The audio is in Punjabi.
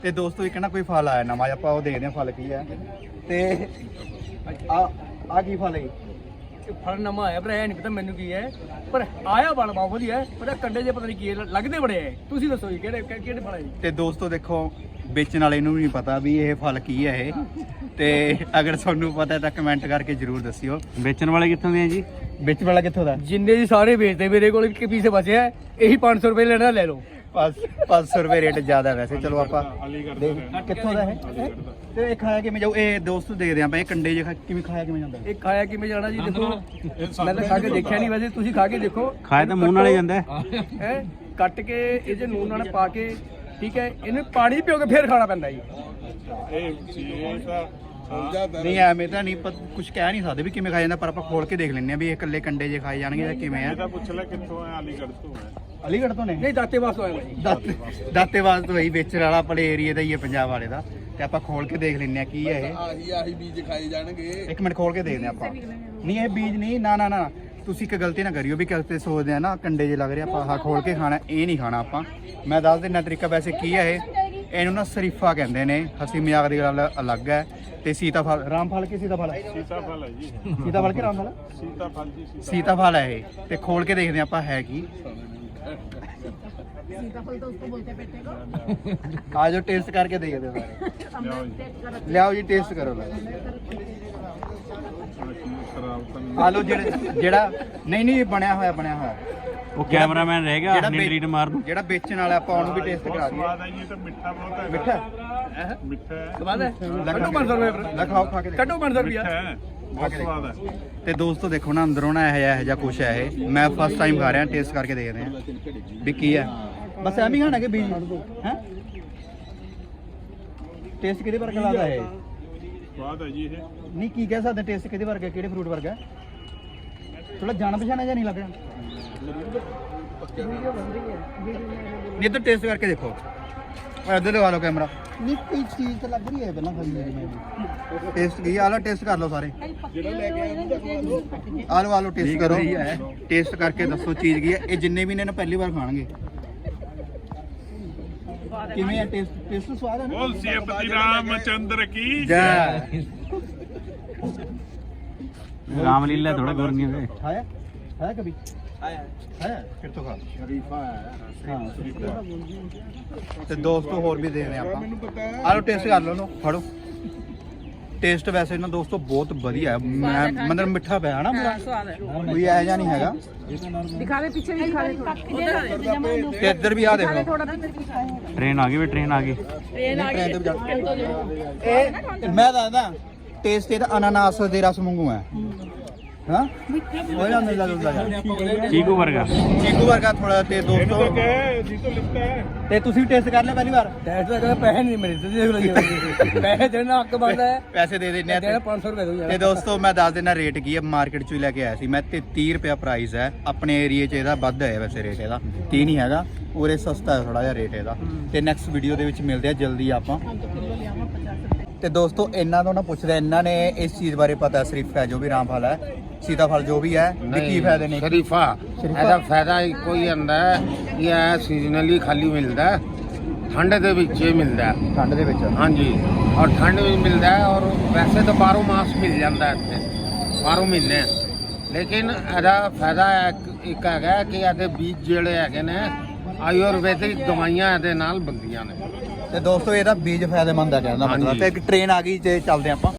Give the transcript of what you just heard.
ਤੇ ਦੋਸਤੋ ਇੱਕ ਨਾ ਕੋਈ ਫਲ ਆਇਆ ਨਵਾਂ, ਆਪਾਂ ਉਹ ਦੇਖਦੇ ਹਾਂ ਫਲ ਕੀ ਹੈ। ਤੇ ਆ ਕੀ ਫਲ ਹੈ? ਫਲ ਨਵਾਂ ਆਇਆ ਪਰ ਇਹ ਨਹੀਂ ਪਤਾ ਮੈਨੂੰ ਕੀ ਹੈ, ਪਰ ਆਇਆ ਬੜਾ ਬਹੁਤ ਵਧੀਆ ਹੈ। ਪਰ ਕੰਡੇ ਜੇ ਪਤਾ ਨਹੀਂ ਕੀ ਹੈ, ਲੱਗਦੇ ਬੜੇ ਹੈ। ਤੁਸੀਂ ਦੱਸੋ ਜੀ ਕਿਹੜੇ ਕਿਹੜੇ ਫਲ ਹੈ ਜੀ? ਤੇ ਦੋਸਤੋ ਦੇਖੋ ਵੇਚਣ ਵਾਲੇ ਨੂੰ ਵੀ ਨਹੀਂ ਪਤਾ ਵੀ ਇਹ ਫਲ ਕੀ ਹੈ ਇਹ। ਤੇ ਅਗਰ ਤੁਹਾਨੂੰ ਪਤਾ ਤਾਂ ਕਮੈਂਟ ਕਰਕੇ ਜਰੂਰ ਦੱਸਿਓ। ਵੇਚਣ ਵਾਲੇ ਕਿੱਥੋਂ ਦੇ ਆ ਜੀ? ਵੇਚਣ ਵਾਲਾ ਕਿੱਥੋਂ ਦਾ? ਜਿੰਨੇ ਜੀ ਸਾਰੇ ਵੇਚਦੇ, ਮੇਰੇ ਕੋਲ ਇੱਕ ਪੀਸ ਬਚਿਆ ਹੈ, ਇਹੀ 500 ਰੁਪਏ ਲੈਣਾ ਲੈ ਲਓ। 500 ਰੁਪਏ ਰੇਟ ਜ਼ਿਆਦਾ ਵੈਸੇ। ਚਲੋ ਆਪਾਂ ਕਿੱਥੋਂ ਦਾ ਹੈ ਤੇ ਇਹ ਖਾਇਆ ਕਿਵੇਂ ਜਾਊ? ਇਹ ਦੋਸਤੋ ਦੇਖਦੇ ਆਪਾਂ ਇਹ ਕੰਡੇ ਜੇ ਕਿਵੇਂ ਖਾਇਆ ਕਿਵੇਂ ਜਾਂਦਾ? ਇਹ ਖਾਇਆ ਕਿਵੇਂ ਜਾਣਾ ਜੀ? ਦੇਖੋ ਮੈਂ ਤਾਂ ਖਾ ਕੇ ਦੇਖਿਆ ਨਹੀਂ, ਵੈਸੇ ਤੁਸੀਂ ਖਾ ਕੇ ਦੇਖੋ। ਖਾਇਆ ਤਾਂ ਮੂੰਹ ਨਾਲ ਹੀ ਜਾਂਦਾ ਹੈ ਕੱਟ ਕੇ ਇਹ ਜੇ ਨੂਨ ਨਾਲ ਪਾ ਕੇ, ਠੀਕ ਹੈ, ਇਹਨੂੰ ਪਾਣੀ ਪਿਓ ਕੇ ਫੇਰ ਖਾਣਾ ਪੈਂਦਾ ਜੀ। ਨਹੀਂ ਐਵੇਂ ਤਾਂ ਨਹੀਂ ਕੁਝ ਕਹਿ ਨਹੀਂ ਸਕਦੇ ਵੀ ਕਿਵੇਂ ਖਾਇਆ ਜਾਂਦਾ, ਪਰ ਆਪਾਂ ਖੋਲ ਕੇ ਦੇਖ ਲੈਂਦੇ ਆ ਵੀ ਇਹ ਇਕੱਲੇ ਕੰਡੇ ਜੇ ਖਾਏ ਜਾਣਗੇ ਜਾਂ ਕਿਵੇਂ ਆ। ਪੁੱਛ ਲੈ ਕਿੱਥੋਂ ਹੈ? ਅਲੀਗੜ੍ਹ ਤੋਂ ਹੈ। ਅਲੀਗੜ੍ਹ ਤੋਂ ਨੇ? ਨਹੀਂ ਦਾਤੇਵਾਸ ਤੋਂ ਆਇਆ ਜੀ। ਦਾਤੇਵਾਸ ਤੋਂ ਹੀ ਵੇਚਣ ਵਾਲਾ ਆਪਣੇ ਏਰੀਆ ਦਾ ਹੀ ਹੈ, ਪੰਜਾਬ ਵਾਲੇ ਦਾ। ਤੇ ਆਪਾਂ ਖੋਲ ਕੇ ਦੇਖ ਲੈਂਦੇ ਆ ਕੀ ਹੈ ਇਹ। ਆਹੀ ਬੀਜ ਖਾਏ ਜਾਣਗੇ। ਇੱਕ ਮਿੰਟ ਖੋਲ ਕੇ ਦੇਖਦੇ ਆਪਾਂ। ਨਹੀਂ ਇਹ ਬੀਜ ਨਹੀਂ, ਨਾ ਤੁਸੀਂ ਇੱਕ ਗਲਤੀ ਨਾ ਕਰਿਓ ਵੀ ਕਿਤੇ ਸੋਚਦੇ ਆ ਨਾ ਕੰਡੇ ਜੇ ਲੱਗ ਰਹੇ ਆਪਾਂ ਆਹ ਖੋਲ ਕੇ ਖਾਣਾ, ਇਹ ਨਹੀਂ ਖਾਣਾ ਆਪਾਂ। ਮੈਂ ਦੱਸ ਦਿੰਦਾ ਤਰੀਕਾ ਵੈਸੇ ਕੀ ਹੈ ਇਹ। ਇਹਨੂੰ ਨਾ ਸ਼ਰੀਫਾ ਕਹਿੰਦੇ ਨੇ, ਹਸੀ ਮਜ਼ਾਕ ਦੀ ਗੱਲ ਅਲੱਗ ਹੈ। ਤੇ ਸੀਤਾਫਲ, ਰਾਮਫਲ ਕੀ ਸੀਤਾਫਲ? ਸੀਤਾਫਲ ਹੈ ਜੀ। ਸੀਤਾਫਲ ਕੀ ਰਾਮਫਲ? ਸੀਤਾਫਲ ਜੀ। सीताफल है ये। ते खोल के देखते हैं आप है की। सीताफल तो उसको बोलते हैं पेटे को। आज टेस्ट करके देखते हैं। ले आओ जी टेस्ट करो। आलो जेड़ा नहीं बनया होया ਉਹ ਕੈਮਰਾਮੈਨ ਰਹਿ ਗਿਆ ਆਪਣੀ ਟਰੀਟ ਮਾਰਨ। ਜਿਹੜਾ ਵੇਚਣ ਵਾਲਾ ਆਪਾਂ ਉਹਨੂੰ ਵੀ ਟੇਸਟ ਕਰਾ ਦਈਏ। ਸਵਾਦ ਆਈ ਤਾਂ ਮਿੱਠਾ ਬਹੁਤ ਹੈ। ਮਿੱਠਾ ਮਿੱਠਾ ਹੈ। ਸਵਾਦ ਹੈ। ਕੱਢੋ 500 ਰੁਪਏ। ਲਖਾਓ ਖਾ ਕੇ ਕੱਢੋ 500 ਰੁਪਏ। ਹੈ ਬਹੁਤ ਸਵਾਦ ਹੈ। ਤੇ ਦੋਸਤੋ ਦੇਖੋ ਨਾ ਅੰਦਰੋਂ ਨਾ ਇਹ ਜਿਹਾ ਕੁਛ ਹੈ ਇਹ। ਮੈਂ ਫਸਟ ਟਾਈਮ ਖਾ ਰਿਹਾ, ਟੇਸਟ ਕਰਕੇ ਦੇਖਦੇ ਹਾਂ ਵੀ ਕੀ ਹੈ। ਬਸ ਐਵੇਂ ਹੀ ਖਾਣਾ ਕਿ ਬੀਜ ਹੈ। ਟੇਸਟ ਕਿਹਦੇ ਵਰਗਾ ਲੱਗਦਾ ਹੈ? ਸਵਾਦ ਹੈ ਜੀ ਇਹ। ਨਹੀਂ ਕੀ ਕਹਿ ਸਕਦੇ ਟੇਸਟ ਕਿਹਦੇ ਵਰਗਾ, ਕਿਹੜੇ ਫਰੂਟ ਵਰਗਾ? ਥੋੜਾ ਜਾਣ ਪਛਾਣਿਆ ਜਾਂ ਨਹੀਂ ਲੱਗ ਰਿਹਾ? ਨਹੀਂ ਤਾਂ ਟੇਸਟ ਕਰਕੇ ਦੇਖੋ। ਇੱਧਰ ਲਗਾ ਲਓ ਕੈਮਰਾ। ਨਹੀਂ ਕੋਈ ਚੀਜ਼ ਤਾਂ ਲੱਗ ਰਹੀ ਹੈ ਪਹਿਲਾਂ ਖਾਈ ਮੇਰੀ ਮੈਂ ਟੇਸਟ ਕੀ ਆਲਾ ਟੇਸਟ ਕਰ ਲਓ ਸਾਰੇ। ਆਲੋ ਟੇਸਟ ਕਰੋ। ਟੇਸਟ ਕਰਕੇ ਦੱਸੋ ਚੀਜ਼ ਕੀ ਹੈ। ਇਹ ਜਿੰਨੇ ਵੀ ਨੇ ਨਾ ਪਹਿਲੀ ਵਾਰ ਖਾਣਗੇ। ਕਿਵੇਂ ਹੈ ਟੇਸਟ ਸਵਾਦ ਹੈ ਨਾ? ਬੋਲ ਸਿਆਪਤੀ ਰਾਮਚੰਦਰ ਕੀ ਜੈ। ਰਾਮਲੀਲਾ ਥੋੜਾ ਗੁਰਨੀਆਂ ਦੇ ਹੈ ਕभी है फिर तो खा शरीफा है। हाँ ਤੇ ਦੋਸਤੋ ਹੋਰ ਵੀ ਦੇਖਦੇ ਆਪਾਂ। ਆਲੋ ਟੇਸਟ ਕਰ ਲਓ, ਫੜੋ। ਟੇਸਟ ਵੈਸੇ ਨਾ ਦੋਸਤੋ ਬਹੁਤ ਵਧੀਆ ਹੈ। ਮੈਂ ਮਤਲਬ ਮਿੱਠਾ ਪਿਆ ਹੈ ਨਾ ਪੂਰਾ, ਕੋਈ ਐ ਜਾਂ ਨਹੀਂ ਹੈਗਾ। दिखावे पीछे भी दिखावे थोड़ा। ਤੇ ਇੱਧਰ ਵੀ ਆ ਦੇਖੋ। ਟ੍ਰੇਨ ਆ ਗਈ ਵੀ ਟ੍ਰੇਨ ਆ ਗਈ। ਇਹ ਮੈਂ ਦੱਸਦਾ ਟੇਸਟ ਇਹਦਾ ਅਨਾਨਾਸ ਦੇ ਰਸ ਵਾਂਗੂ ਹੈ। ਹਾਂ ਉਹ ਨਾ ਮਿਲਦਾ ਜੁਲਦਾ ਚੀਕੂ ਵਰਗਾ। ਚੀਕੂ ਵਰਗਾ ਥੋੜਾ। ਤੇ ਦੋਸਤੋ ਜੀ ਤੋਂ ਲਿਖਤਾ ਹੈ। ਤੇ ਤੁਸੀਂ ਵੀ ਟੇਸਟ ਕਰ ਲਿਆ ਪਹਿਲੀ ਵਾਰ? ਟੈਸਟ ਦਾ ਕਹਿੰਦਾ ਪੈਸੇ ਨਹੀਂ ਮਿਲੇ, ਤੁਸੀਂ ਦੇਖ ਲਓ। ਪੈਸੇ ਦੇਣਾ ਹੱਕ ਬਣਦਾ ਹੈ। ਪੈਸੇ ਦੇ ਦਿੰਨੇ ਆ ਦੇਣਾ 500 ਰੁਪਏ ਦੋ ਤੇ ਦੋਸਤੋ ਮੈਂ ਦੱਸ ਦਿੰਦਾ ਰੇਟ ਕੀ ਹੈ। ਮਾਰਕੀਟ ਚੋਂ ਹੀ ਲੈ ਕੇ ਆਇਆ ਸੀ ਮੈਂ। 33 ਰੁਪਏ ਪ੍ਰਾਈਸ ਹੈ। ਆਪਣੇ ਏਰੀਏ 'ਚ ਇਹਦਾ ਵੱਧ ਹੈ ਵੈਸੇ ਰੇਟ ਇਹਦਾ, 30 ਨਹੀਂ ਹੈਗਾ। ਉਰੇ ਸਸਤਾ ਹੈ ਥੋੜਾ ਜਿਹਾ ਰੇਟ ਇਹਦਾ। ਤੇ ਨੈਕਸਟ ਵੀਡੀਓ ਦੇ ਵਿੱਚ ਮਿਲਦੇ ਆ ਜਲਦੀ ਆਪਾਂ। ਤੇ ਦੋਸਤੋ ਇਹਨਾਂ ਤੋਂ ਨਾ ਪੁੱਛਦੇ, ਇਹਨਾਂ ਨੇ ਇਸ ਚੀਜ਼ ਬਾਰੇ ਪਤਾ ਸ਼ਰੀਫਾ ਜੋ ਵੀ ਰਾਮਫਲ ਹੈ, ਸੀਤਾਫਲ ਜੋ ਵੀ ਹੈ, ਵੀ ਕੀ ਫਾਇਦੇ ਨੇ? शरीफा ਇਹਦਾ ਫਾਇਦਾ ਇੱਕੋ ਹੀ ਹੁੰਦਾ ਹੈ ਕਿ ਇਹ ਸੀਜ਼ਨਲੀ ਖਾਲੀ ਮਿਲਦਾ ਹੈ, ਠੰਡ ਦੇ ਵਿੱਚ ਹੀ ਮਿਲਦਾ ਹੈ। ਠੰਡ ਦੇ ਵਿੱਚ ਹਾਂਜੀ, ਔਰ ਠੰਡ ਵਿੱਚ ਮਿਲਦਾ ਹੈ। ਔਰ ਵੈਸੇ ਤਾਂ 12 ਮਾਸ ਮਿਲ ਜਾਂਦਾ ਹੈ ਇੱਥੇ, 12 ਮਹੀਨੇ। ਲੇਕਿਨ ਇਹਦਾ ਫਾਇਦਾ ਇੱਕ ਹੈਗਾ ਕਿ ਇਹਦੇ ਬੀਜ ਜਿਹੜੇ ਹੈਗੇ ਨੇ ਆਯੁਰਵੈਦਿਕ ਦਵਾਈਆਂ ਇਹਦੇ ਨਾਲ ਬਣਦੀਆਂ ਨੇ। ਤੇ ਦੋਸਤੋ ਇਹਦਾ ਬੀਜ ਫਾਇਦੇਮੰਦ ਹੈ ਕਹਿਣ ਦਾ ਮਤਲਬ। ਤੇ ਇੱਕ ਟ੍ਰੇਨ ਆ ਗਈ ਤੇ ਚੱਲਦੇ ਆਪਾਂ।